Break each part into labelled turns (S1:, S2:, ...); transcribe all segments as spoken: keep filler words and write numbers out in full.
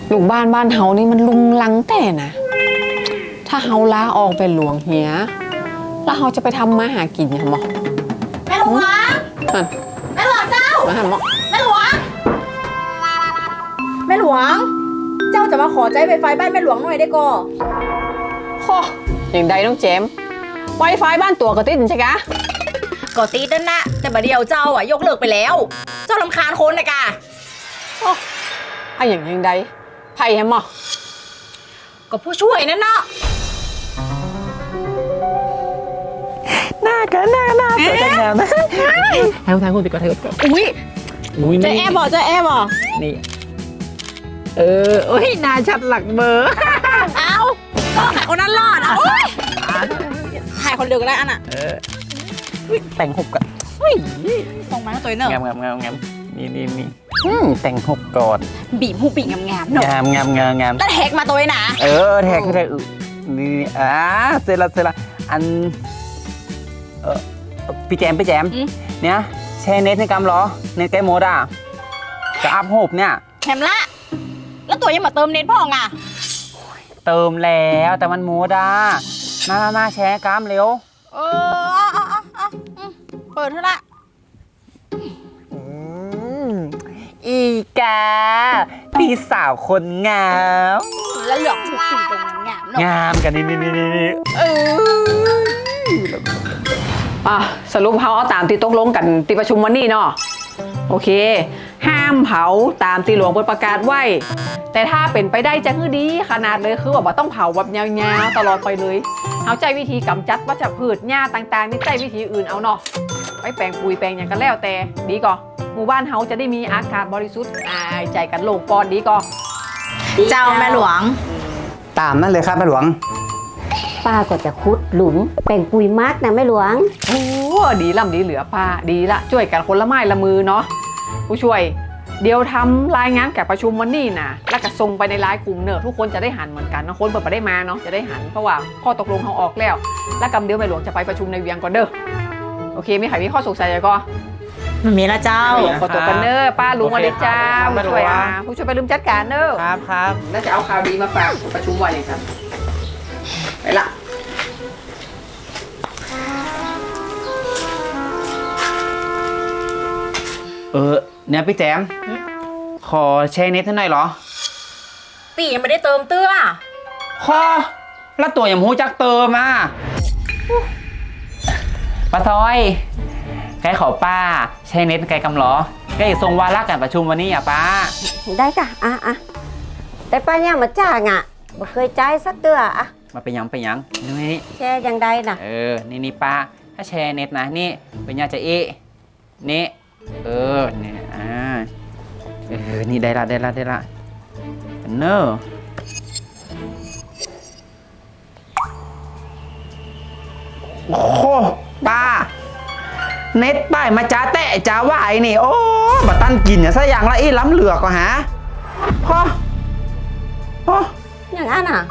S1: ลูกบ้านบ้านเฮานี่มันลุงลังแต่นะถ้าเฮาลาออกเป็นหลวงเฮียแล้วเฮาจะไปทำมาหากินยังหมอ
S2: แม่หลวงแม่หลวงเจ้า
S1: มาหาหมอ
S2: แม่หลวงแม่หลวงเจ้าจะมาขอใจไวไฟบ้านแม่หลวงหน่อยได้ก่อ
S1: โคอย่างใดน้องเจมไวไฟบ้านตัวก็ติดใช่กะ
S2: ก็ตีนั่นนะแต่บัดเดียวเจ้าอ่ะยกเลิกไปแล้ว เจ้ารำคาญคนนะกะ
S1: โอ้อะอย่างอย่างใดไผ่แฮมหมอ
S2: ก็ผู้ช่วยนั่นเนาะ
S3: หน้ากันหน้าหน้าสวยจังงามนะทางทางคุณติดก่อนทางคุณ
S2: อุ้ย
S3: อุ้ย
S2: จะ
S3: นี่
S2: แอบบอกจะแอบบอก
S3: นี่เออโอ้ยหน้าชัดหลักเบอร์
S2: เอาก็ขายคนนั้นรอดอ่ะโอ๊ยขายคนเดียวก็ได้อันอ่ะ
S3: เอออุ๊ยแต่งหกกันเฮ้ย
S2: ส่งมาให้ตัวเนอะ
S3: งามงามงามงามนี่นี่นี่อืมแต่งหกก่อน
S2: บีบหูปีกงามๆเนอะ
S3: งามงามงามงาม
S2: แล้วแท็กมาตัวนะ
S3: เออแท็กแท็กนี่อ่าเสร็จละเสร็จละอันเออพี่แจมพี่แจมเนี่ยแชร์เน็ตในกำเหรอเน็ตไกด์โมดอ่ะจะอัพโฮปเนี่ย
S2: แถมละ แล้วตัวยังมาเติมเน็ตพ่องอ่ะ
S3: เติมแล้วแต่มันโมดอ่ะมามามาแชร์กล้ามเร็ว
S2: เออเอาเอาเอาอืมเปิดเถอะละ
S3: อืมอีกาพี่สาวคนงาม
S2: แล้วหยอกหูปีกตรงนั้นงามเนอะ
S3: งามกันนี่นี่นี่นี่เออ
S1: อ่ะสรุปเฮาเอาตามที่ตกลงกันที่ประชุมวันนี้เนาะโอเค ห้ามเผาตามที่หลวงเปิดประกาศไว้ แต่ถ้าเป็นไปได้จะคือดีขนาดเลยคือว่าบ่ต้องเผาแบบยาวๆตลอดไปเลยเฮาใจวิธีกำจัดวัชพืชหญ้าต่างๆนี่ใจวิธีอื่นเอาเนาะไปแปลงปุ๋ยแปลงอย่างกันแล้วแต่ดีก่อหมู่บ้านเฮาจะได้มีอากาศบริสุทธิ์อายใจกันโล่งปอดดีก่อ
S2: เจ้าแม่หลวง
S4: ตามนั่นเลยครับแม่หลวง
S5: ป้าก็จะขุดหลุมแป่งปุ๋ยมากนะแม่หลวง
S1: โอ้ดีล่ำดีเหลือป้าดีละช่วยกันคนละไม้ละมือเนาะผู้ช่วยเดี๋ยวทำรายงานแก่ประชุมวันนี้นะแล้วก็ส่งไปในไลน์กลุ่มเนอะทุกคนจะได้หันเหมือนกันนะคนเปิดไปได้มาเนาะจะได้หันเพราะว่าข้อตกลงเขาออกแล้ว แล้วกำเดียวแม่หลวงจะไปประชุมในเวียงก่อนเด้อโอเคมีใครมีข้อสงสัยอะไรก็
S2: มันมีละเจ้า
S1: ขอตัวกันเนอะป้าลุงมาเลยจ้าผู้ช่วยอ่ะผู้ช่วยไปลืมจัดการเนอะ
S3: ครับครับ
S1: แล้วจะเอาข่าวดีมาฝากประชุมวันอย่างกันไปละ
S3: เออเนี่ยพี่แจมขอแชร์เน็ตให้หน่อยเหรอ
S2: ตียังไม่ได้เติมเตื้อ
S3: ขอแล้วตัวอย่างหูจักเติมอ่ะป้าซอยใกล้ขอป้าแชร์เน็ตไกลกำเหรอใกล้ทรงวาระการประชุมวันนี้อ่ะป้า
S5: ได้กะอ่ะอ่ะแต่ป้าเนี่ยมาจ้างอ่ะบ่เคยจ่ายสักเตืออ่ะ
S3: มาเป็นยังเป็นยังนี่นี่
S5: แชร์ยังได้น่ะ
S3: เออนี่นี่ป้าถ้าแชร์เน็ตนะนี่เป็นยังจะเอะนี่เออเนี่ยอ่าเออนี่ได้ละได้ละได้ละเนอโอ้โหป้าเน็ตป้ายมาจ้าแตะจ้าว่าไอ้นี่โอ้บัตันกินเนี่ยซะอย่างละอีล้ำเหลือก็หาพ่อพ่อ
S5: อย่างนั้นอ่ะ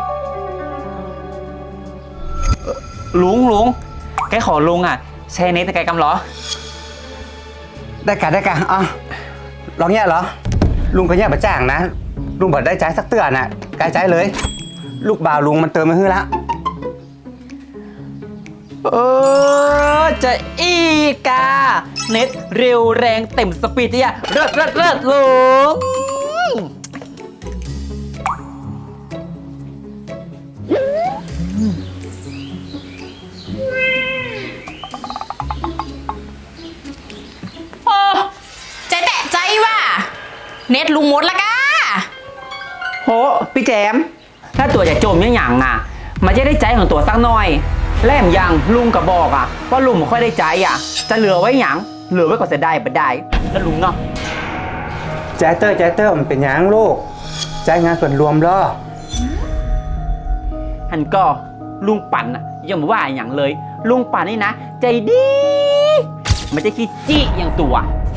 S3: ลุงลุงแกขอลุงอ่ะแชร์เน็ตในไกลกำเหรอ
S4: ได้กะได้กะอ่ะลองเนี่ยเหรอ ลุงก็เนี่ยมาจ้างนะ ลุงบอกได้ใจายสักเตือนน่ะกายใจายเลย ลูกบ่าวลุงมันเติมมาให้ละ
S3: เออจะอีกาเน็ตเร็วแรงเต็มสปีดเนี่ยเลิศเลิศเลิศลุง
S2: โอ้ใจแตะใจว่ะเน็ตลุงหมดละกะ
S3: โหพี่แจมถ้าตัวจะจมยังหยังอ่ะ มันจะได้ใจของตัวสักหน่อยแล่มยังลุงกับบอกอ่ะว่าลุงไม่ค่อยได้ใจอ่ะ จะเหลือไว้หยังเหลือไว้ก็จะได้บ่ได้แล้วลุงเนาะ
S4: ใจายเตอร์ใจายเตอร์มันเป็นหยังลูกใจายงานส่วนรวมเหรอ
S3: หันก็ลุงปั่นอ่ะยังไม่ว่าอย่างเลย ลุงปั่นนี่นะ ใจดีมันจะคิดจี้อย่างตัว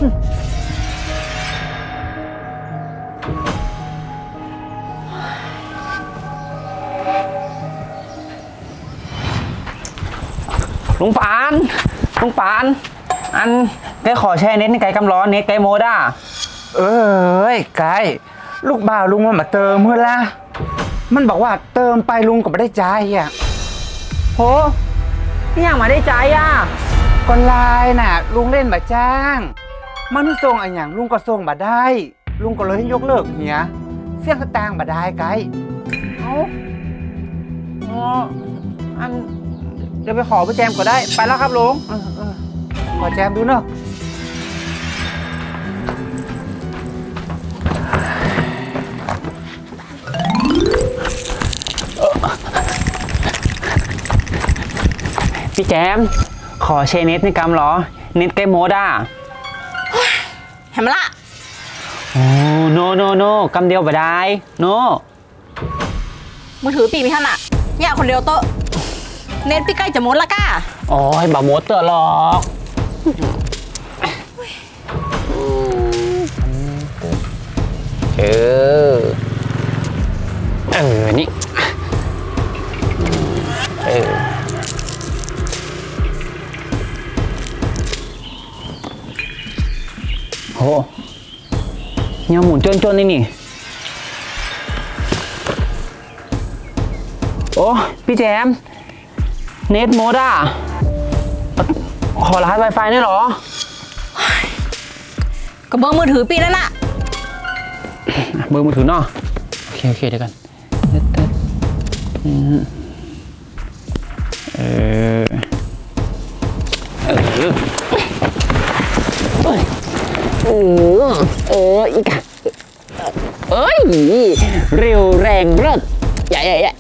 S3: ลุงปานลุงปานอันแกขอแช่เน็ตในไก่กำร้อนเน็ตไก่โมด้า
S4: เอ้ยไกายลูกบ่าวลุงมันมาเติมเมื่อละมันบอกว่าเติมไปลุงก็ไม่ได้ใจายอ่ะ
S3: โหนี่อย่างมาได้ใจอ่ะ
S4: ก็ไลน์น่ะ ลุงเล่นมาจ้าง มันส่งอะไรอย่างลุงก็ส่งมาได้ ลุงก็เลยให้ยกเลิกเฮียเสี่ยงสตางค์มาได้ไกด์
S3: เอาอ๋ออันเดี๋ยวไปขอพี่แจมก็ได้ ไปแล้วครับลุง
S4: เออเออขอแจมดูเนอะ
S3: พี่แจม ขอเชเน็ตในกำเหรอ เน็ตใกล้โมดอ่ะ
S2: เห็นไหมล่ะ
S3: โอ้โนโนโนกำเดียวบ่ได้โน
S2: มือถือปีมีท่านอะเนี่ยคนเดียวโตะเน็ตพี่ใกล้จะหมดละก้า
S3: โอ้ยบ่โมดเตอร์หรอกเออ เออ นี่ เออ โหยังหมุนจนๆนี่นี่ โอ้พี่แจม เน็ตโมดอ่ะ ขอรหัส Wi-Fi ได้เหรอ
S2: กับเบอร์มือถือปีนั่นน่ะ
S3: เบอร์มือถือเนาะโอเค โอเค เดี๋ยวกันเติร์ดอืมเออ เออ เออ เออ อีกอะเอ้ย เร็วแรงเลิศใหญ่ใหญ่ใหญ่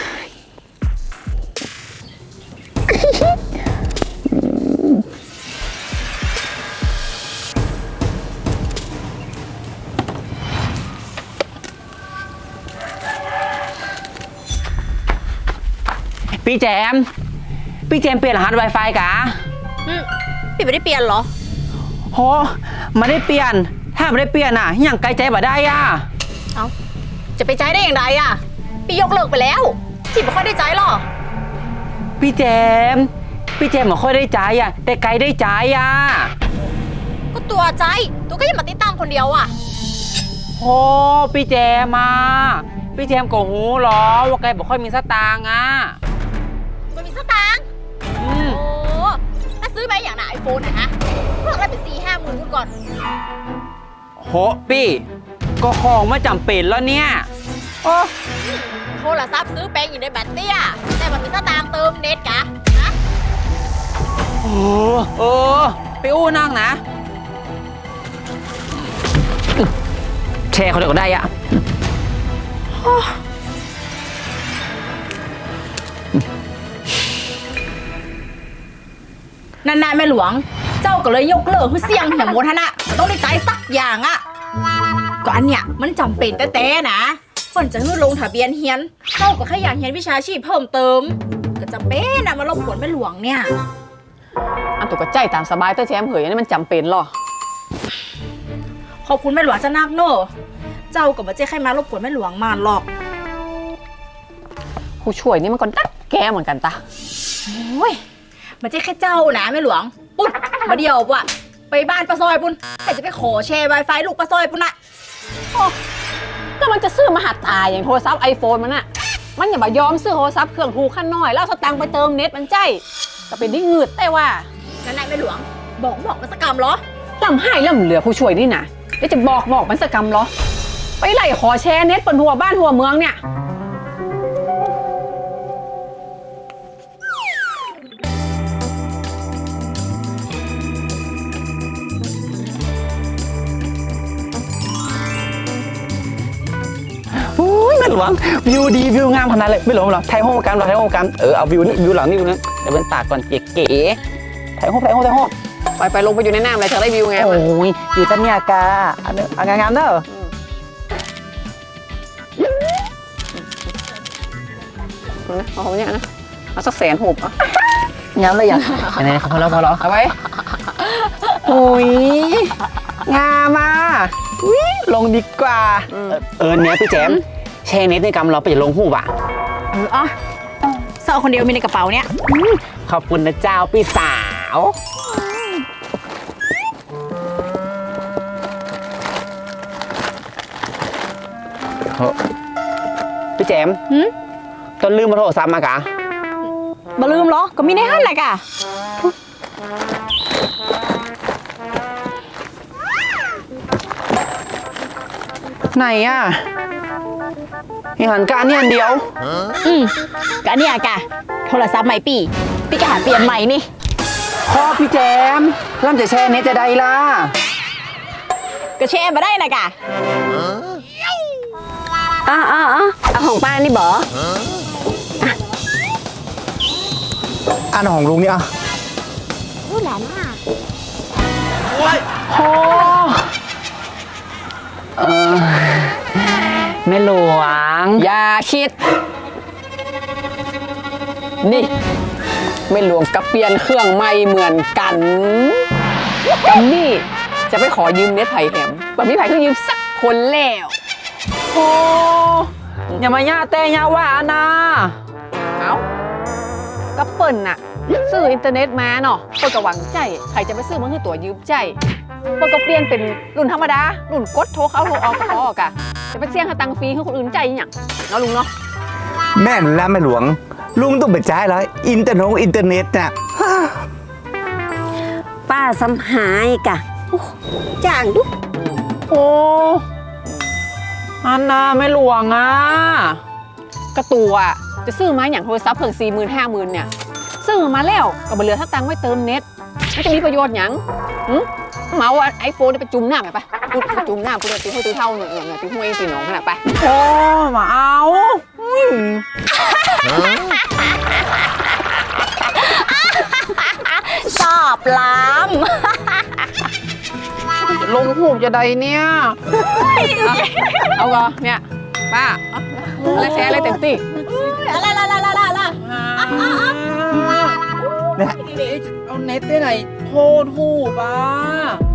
S3: พี่แจม พี่แจมเปลี่ยนรหัส Wi-Fi กะ
S2: อืมพี่ไม่ได้เปลี่ยนเหรอ
S3: โหมาได้เปลี่ยน ถ้าไม่ได้เปลี่ยนอ่ะอย่างไกลใจบ่ได้อ่ะ
S2: เอ้า จะไปใจได้อย่างไรอะพี่ยกเลิกไปแล้ว พี่ไม่ค่อยได้ใจหรอก
S3: พี่แจม พี่แจมไม่ค่อยได้ใจอ่ะ แต่ไกลได้ใจอ่ะ
S2: ก็ตัวใจ ตัวก็ยังมาติดตั้งคนเดียวอะ
S3: โหพี่แจมมาพี่แจมก็หูเหรอว่าไกลบ่ค่อยมีสตางค์อ่ะ
S2: มันมีสตางค์
S3: อืม
S2: โอ้ถ้าซื้อไปอย่างไหนไอโฟนนะฮะเพิ่งได้ไปสี่ห้าหมื่นคุณก่อน
S3: โหพี่ก็ของไม่จำเป็นแล้วเนี่ยโอ้
S2: โทรศัพท์ซื้อแปลงอยู่ในแบตเตี้ยแต่มันมีสตางค์เติมเน็ตกะนะ
S3: โหเออไปอู้นั่งนะแชร์เขาเดี๋ยวก็ได้อ่ะ
S2: นานๆแม่หลวง เจ้าก็เลยยกเลิกคือเสี่ยงอย่างโมทนะมันต้องได้ใจสักอย่างอะก็อันเนี้ยมันจำเป็นแต่แต่นะคนจะให้ลงทะเบียนเฮียน เจ้าก็แค่อยากเฮียนวิชาชีพเพิ่มเติม ก็จำเป็นนะมารบกวนแม่หลวงเนี่ย
S1: อันตัวก็ใจตามสบายเตอร์แชมป์เหยอันนี้มันจำเป็นหรอ
S2: ขอบคุณแม่หลวงจะนักโน่เจ้าก็มาเจ๊ใครมารบกวนแม่หลวงมาหรอก
S1: ผู้ช่วยนี่มันก็ดักแกเหมือนกันตา
S2: โอ้ยมาเจ๊แค่เจ้านะแม่หลวงปุ๊บมาเดียวว่ะไปบ้านป้าซอยปุ้นแต่จะไปขอแชร์ Wi-Fi ลูกป้าซอยปุ้นอะ
S1: ก็มันจะซื้อมาหัดตายอย่างโทรศัพท์ไอโฟนมันอะมันอย่ามายอมซื้อโทรศัพท์เครื่องถูกขั้นน้อยแล้วเอาสตังค์ไปเติมเน็ตมันใจก็เป็นที่งืดแต่ว่า
S2: นั่นนายแม่หลวง บอกบอกมันสกรรมเหรอ
S1: ลำให้ลำเหลือผู้ช่วยนี่นะเดี๋ยวจะบอกบอกมันสกรรมเหรอ ไปไล่ขอแชร์เน็ตบนหัวบ้านหัวเมืองเนี่ย
S3: อุ้ยแม่หลวงวิวดีวิวงามขนาดเลยไม่หลวงหรอไทยห้องกันเราไทยห้องกันเออเอาวิวนี่วิวหลังนี่ดูนะเดี๋ยวเป็นตากก่อนเก๋ๆไทยห้องไทยห้องไทยห้อง
S1: ไปไปลงไปอยู่ในน้ำเลยเธอได้วิวไง
S3: โอ้ยอยู่ตันเนี่ยกาอันนี้อันงามๆเด้อ
S1: นะเอาอย่างนะเอาสักแสนหูบอ่ะ
S3: งามเลยอย่างไหนๆพอแล้วพอแล้ว
S1: เอาไว้
S3: อุ้ยงามอ่ะอุ้ยลงดีกว่าเออเนี้ยพี่แจมแชร์เน็ตในกรรมเราไปจะลงหูบ่ะ
S2: เอออ่ะเศร้าคนเดียวมีในกระเป๋าเนี่ย
S3: ขอบคุณนะเจ้าพี่สาว
S2: อ
S3: พี่แจม
S2: หืม
S3: ต้นลืมมาโทรศัพท์มากะ
S2: บ่ลืมเหรอ ก็มีในหันแหละกะ
S3: ไหนอ่ะยังหันการนี่อันเดียว
S2: อืมก็อันเนี่ยกะ โทรศัพท์ใหม่ปีพี่ก็หาเปลี่ยนใหม่นี่
S3: พ่อพี่แจมร่ำจะแช่เน็ตจะได้ล่ะ
S2: ก็แชร์มาได้นะกะ
S5: อ้าอ้าอ้าเอาของป้านี่บอ
S4: อันของลุงเนี่ยอ่ะ
S5: รู้หลานอ่ะ
S3: โอ้เออแม่หลวง
S1: อย่าคิด นี่ไม่หลวงกับเปลี่ยนเครื่องใหม่เหมือนกันกันนี่จะไปขอยืมเน็ตไผ่แหมแบบมีไผ่ก็ยืมสักคนแล้ว
S3: โอ้อย่ามาย่าแต่ย่าว่านะ
S1: เอ้าก็เปิ่นน่ะซื้ออินเทอร์เน็ตมาเนาะเปิ่นก็หวังใจใครจะไปซื้อมันคือตัวยืมใจเปิ่นก็เปลี่ยนเป็นรุ่นธรรมดารุ่นกดโทรเข้าโทรออกก็พอกะจะไปเสี่ยงหาตังค์ฟรีให้คนอื่นใจอหย่างเนาะลุงเนาะ
S4: แม่นแล้วแม่หลวง ลุงต้องไปจ่ายแล้วอินเทอร์เน็ตอินเทอร์เน็ตน่ะ
S5: ป้าสำหายกะโอ้จ้างดุ
S3: โอ้อันนาแม่หลวงอ่ะ
S1: กระตัวอะจะซื้อมาอย่างโทรศัพท์เพิ่งสี่หมื่นห้าหมื่นเนี่ยซื้อมาแล้วก็บ่เหลือถ้าตังค์ไว้เติมเน็ตมันจะมีประโยชน์หยังหึเหมาไอโฟนไปจุ่มน้ำไปปะพูดไปจุ่มน้ำพูดตีห้วยตีเท่าเนี่ยเนี่ยตีห้วยตีหนองขนาดไป
S3: โอ้มาเอาอุ้ย
S2: สอบล้
S3: ลงหูกจะใดเนี่ย
S1: เอาก็เนี่ยป้าเอาอะไรแชร์อะไรเต็มที่
S2: ำอะไรละละละละละ
S3: เนี่ยเอาเน็ตได้ไหนโทษหูป่ะ